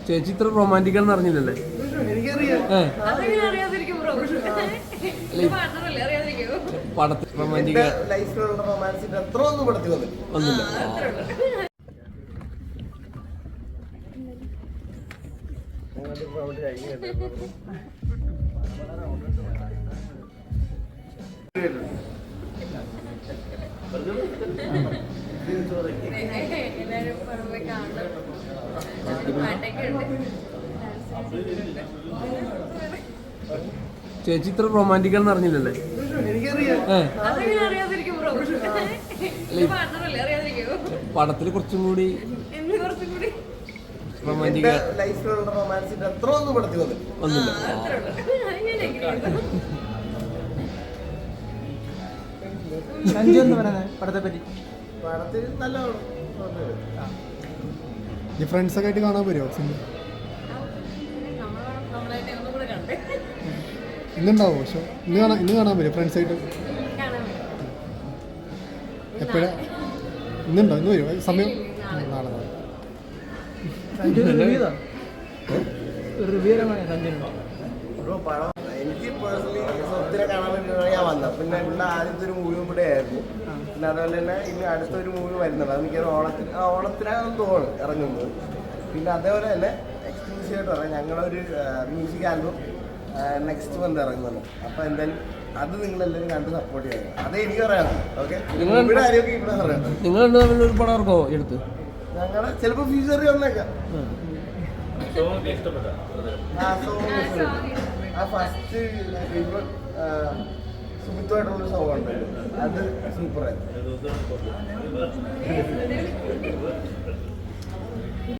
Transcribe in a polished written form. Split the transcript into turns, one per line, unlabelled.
ചേച്ചി ഇത്ര റൊമാൻറ്റിക് ആണെന്ന് അറിഞ്ഞില്ലല്ലേ? പടത്തിൽ റൊമാൻറ്റിക് ഒന്നുമില്ല. ചേച്ചി ഇത്ര റൊമാൻറ്റിക് ആണെന്ന് അറിഞ്ഞില്ലല്ലേ? പടത്തിൽ കുറച്ചും കൂടി റൊമാൻറ്റിക് ഒന്നുമില്ല.
പടത്തെ പറ്റി
ഫ്രണ്ട്സ് ഒക്കെ ആയിട്ട് കാണാൻ പറ്റുമോ സിനിമ? ഇന്നുണ്ടാവോ? പക്ഷെ ഇന്ന് കാണാൻ പറ്റുമോ ഫ്രണ്ട്സ് ആയിട്ട്? എപ്പോഴാ? ഇന്നുണ്ടോ? ഇന്ന് വരുമോ? സമയം നാളെ
എനിക്ക് പേഴ്സണലി സ്വത്തിനെ കാണാൻ വേണ്ടിയിട്ടാണ് ഞാൻ വന്നത്. പിന്നെ ഇവിടെ ആദ്യത്തെ ഒരു മൂവി ഇവിടെ ആയിരുന്നു. പിന്നെ അതുപോലെ തന്നെ ഇനി അടുത്തൊരു മൂവി വരുന്നുണ്ട്. അത് മിക്കവാറും ഓണത്തിനാണെന്ന് തോന്നുന്നു ഇറങ്ങുന്നത്. പിന്നെ അതേപോലെ തന്നെ എക്സ്ക്ലൂസീവ് ആയിട്ട് പറയാം, ഞങ്ങളൊരു മ്യൂസിക് ആൽബം നെക്സ്റ്റ് മന്ത് ഇറങ്ങുന്നുണ്ട്. അപ്പോൾ എന്തായാലും അത് നിങ്ങളെല്ലാവരും കണ്ട് സപ്പോർട്ട് ചെയ്യണം. അതേ എനിക്ക് പറയാം. ഓക്കെ, ഇവിടെ ആരെയൊക്കെ ഇവിടെ പറയാം.
നിങ്ങൾ ഒരു പടം ഇറക്കോ എടുത്ത്?
ഞങ്ങളെ ചിലപ്പോൾ ഫ്യൂച്ചറിൽ വന്നേക്കാം. ആ ഫസ്റ്റ് സുമിത്തുമായിട്ടുള്ളൊരു സോങ് ഉണ്ടല്ലോ, അത് സൂപ്പറായിരുന്നു.